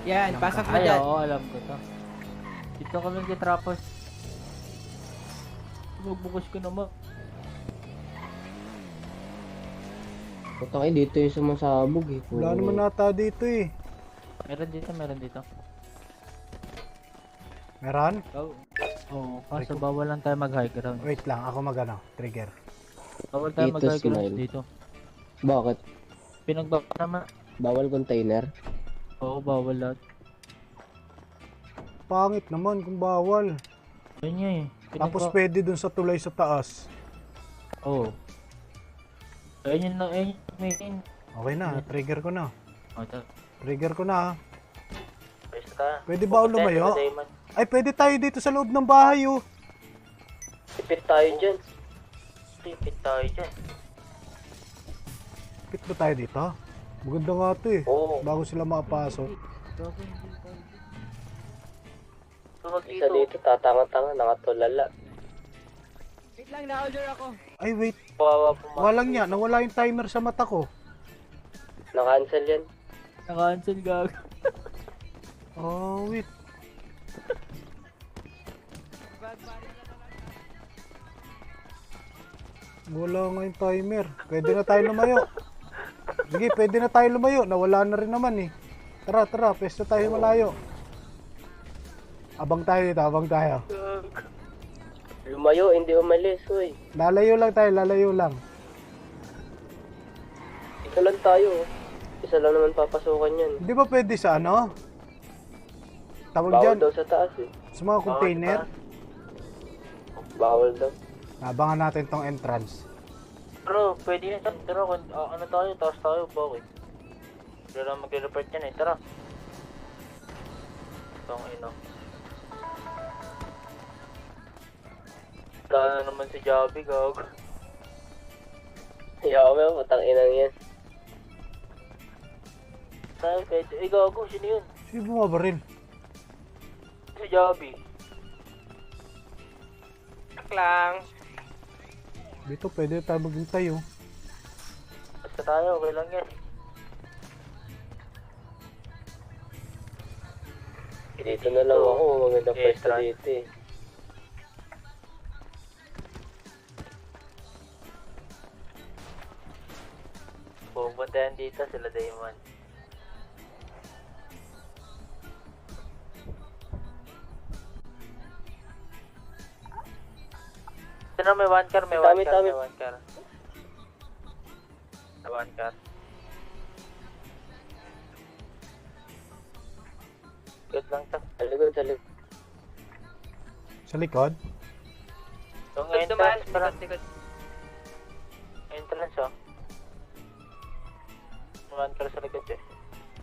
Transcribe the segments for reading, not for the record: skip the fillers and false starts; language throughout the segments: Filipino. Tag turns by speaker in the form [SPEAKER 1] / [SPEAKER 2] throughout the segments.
[SPEAKER 1] Yan,
[SPEAKER 2] Alam
[SPEAKER 1] pasok
[SPEAKER 2] ka.
[SPEAKER 1] mo
[SPEAKER 3] Ay,
[SPEAKER 1] dyan.
[SPEAKER 3] oo, alam ko to. Dito kami kay Trapos. Bubukos ko naman.
[SPEAKER 4] Putang ina, dito yung sumasabog eh.
[SPEAKER 2] Wala naman nata dito eh.
[SPEAKER 3] Meron dito, meron dito.
[SPEAKER 2] Meron?
[SPEAKER 3] Oh. Oo, kaso bawal lang tayo mag-high ground.
[SPEAKER 2] Wait lang, ako magano, trigger.
[SPEAKER 3] Bawal tayo
[SPEAKER 4] Dito,
[SPEAKER 3] mag-high ground
[SPEAKER 4] smile.
[SPEAKER 3] dito.
[SPEAKER 4] Bakit?
[SPEAKER 3] Pinagbaba naman.
[SPEAKER 4] Bawal container?
[SPEAKER 3] Oo, bawal lahat.
[SPEAKER 2] Pangit naman kung bawal.
[SPEAKER 3] Yun nga eh.
[SPEAKER 2] Tapos pwede dun sa tulay sa taas.
[SPEAKER 3] Oo. Ayun yun na, ayun yun.
[SPEAKER 2] Okay na, trigger ko na.
[SPEAKER 3] O, ito.
[SPEAKER 2] Trigger ko na.
[SPEAKER 3] Pwede ka.
[SPEAKER 2] Pwede ba ako lumayo? Ay, pwede tayo dito sa loob ng bahay oh.
[SPEAKER 4] Tipid tayo dyan.
[SPEAKER 3] Tipid tayo dyan.
[SPEAKER 2] Pit ba tayo dito? Maganda nga ito eh.
[SPEAKER 4] Oo.
[SPEAKER 2] Bago sila makapasok.
[SPEAKER 4] Isa dito, tatanga-tanga, nakatulala.
[SPEAKER 1] Wait lang, na-order ako.
[SPEAKER 2] Ay, wait.
[SPEAKER 4] Kawawa po
[SPEAKER 2] Walang niya. Nawala yung timer sa mata ko.
[SPEAKER 4] Na-cancel yan.
[SPEAKER 3] Naka-cancel gag.
[SPEAKER 2] Oh, wait. Wala nga yung timer. Pwede na tayo lumayo. Sige, pwede na tayo lumayo. Nawala na rin naman eh. Tara, tara. Pwesto tayo malayo. Abang tayo dito, abang tayo.
[SPEAKER 4] Lumayo, hindi umalis, uy.
[SPEAKER 2] Lalayo lang tayo, lalayo lang.
[SPEAKER 4] Ito lang tayo. Isa lang naman papasukan yan.
[SPEAKER 2] Hindi ba pwede sa ano? Tawag
[SPEAKER 4] Bawal
[SPEAKER 2] dyan,
[SPEAKER 4] daw sa taas eh.
[SPEAKER 2] sa mga container.
[SPEAKER 4] Bawal daw.
[SPEAKER 2] Abangan natin tong entrance.
[SPEAKER 3] Bro, pwede yun. Tara, ano tayo? Taas tayo, bakit? Wala lang mag-report yan eh. Tara. Itong ino. Wala na naman si Javi, gag.
[SPEAKER 4] Yaw mo, putang inang yan.
[SPEAKER 3] Tayo, pwede. Ay, gago, sino yun?
[SPEAKER 2] Sino bumabaril?
[SPEAKER 3] Si Javi.
[SPEAKER 1] Tak lang.
[SPEAKER 2] Dito pwede tayo maghintay oh.
[SPEAKER 3] Basta tayo, okay lang yan.
[SPEAKER 4] Dito na lang ako, magandang
[SPEAKER 3] Okay,
[SPEAKER 4] pwesto
[SPEAKER 3] try.
[SPEAKER 4] dito eh.
[SPEAKER 3] Pupuntahan dito sila Damon. Ito na may one car, may one car,
[SPEAKER 4] Dami.
[SPEAKER 3] may one car. May one car. Good lang to.
[SPEAKER 4] Sa likod, sa likod.
[SPEAKER 2] Sa likod?
[SPEAKER 3] Yung
[SPEAKER 1] Dumaan,
[SPEAKER 3] entrance, parang
[SPEAKER 1] likod.
[SPEAKER 3] entrance oh. May one car sa likod eh.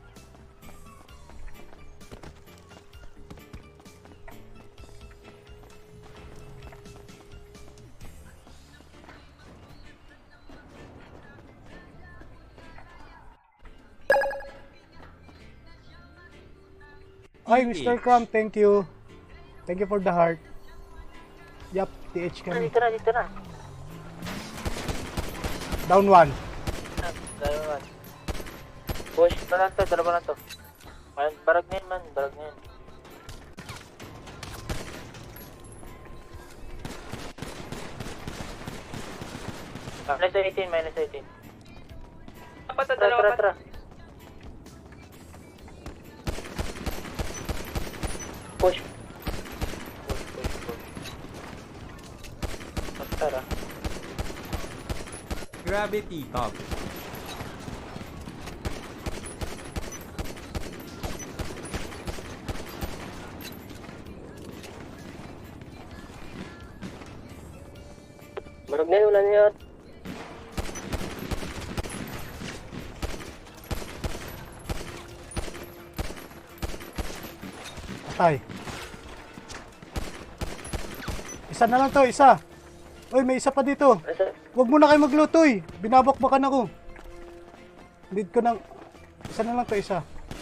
[SPEAKER 2] Ay, Mr. Crumb, thank you. Thank you for the heart. Yup, TH kami.
[SPEAKER 3] Dito na.
[SPEAKER 2] Down one.
[SPEAKER 3] Dalawa. Push, dalawa na to. Man, barag na yun man, barag na yun. Minus 18.
[SPEAKER 1] Apat na dalawa.
[SPEAKER 3] Tara.
[SPEAKER 4] Push.
[SPEAKER 3] Tara.
[SPEAKER 5] Gravity top.
[SPEAKER 4] Marag na yun, wala na yun.
[SPEAKER 2] Patay. Isa na lang to, isa. Uy, may isa pa dito.
[SPEAKER 4] Asa?
[SPEAKER 2] Huwag mo na kayo maglutoy. Binabakbakan ako. Lead ko ng... Isa na lang to, isa.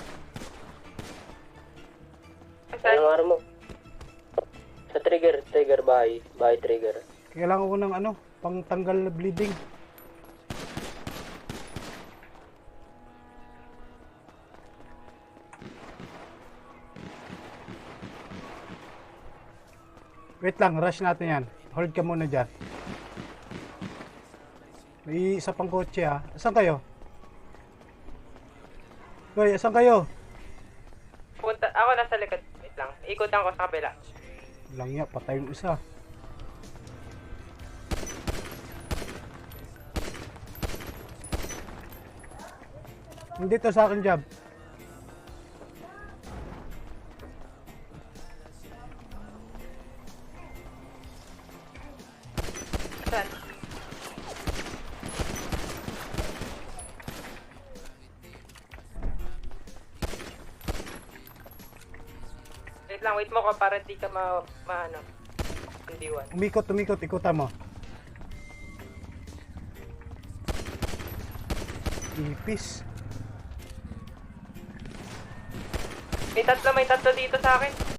[SPEAKER 4] Anong araw mo? Sa trigger bahay trigger.
[SPEAKER 2] Kailangan ko ng ano, pang tanggal na bleeding. Wait lang, rush natin yan. Hold ka muna dyan. May isa pang kotse ha. Asan kayo? Hoy, asan kayo?
[SPEAKER 1] Punta, ako nasa likod. Wait lang. Ikutan ko sa kabila.
[SPEAKER 2] Lang ya, patay yung isa. Hindi to sa akin, Jab.
[SPEAKER 1] Saan? Wait lang, wait mo ko para di ka ano. Hindi one.
[SPEAKER 2] Umikot, ikutan mo. Ipis.
[SPEAKER 1] May tatlo dito sa akin.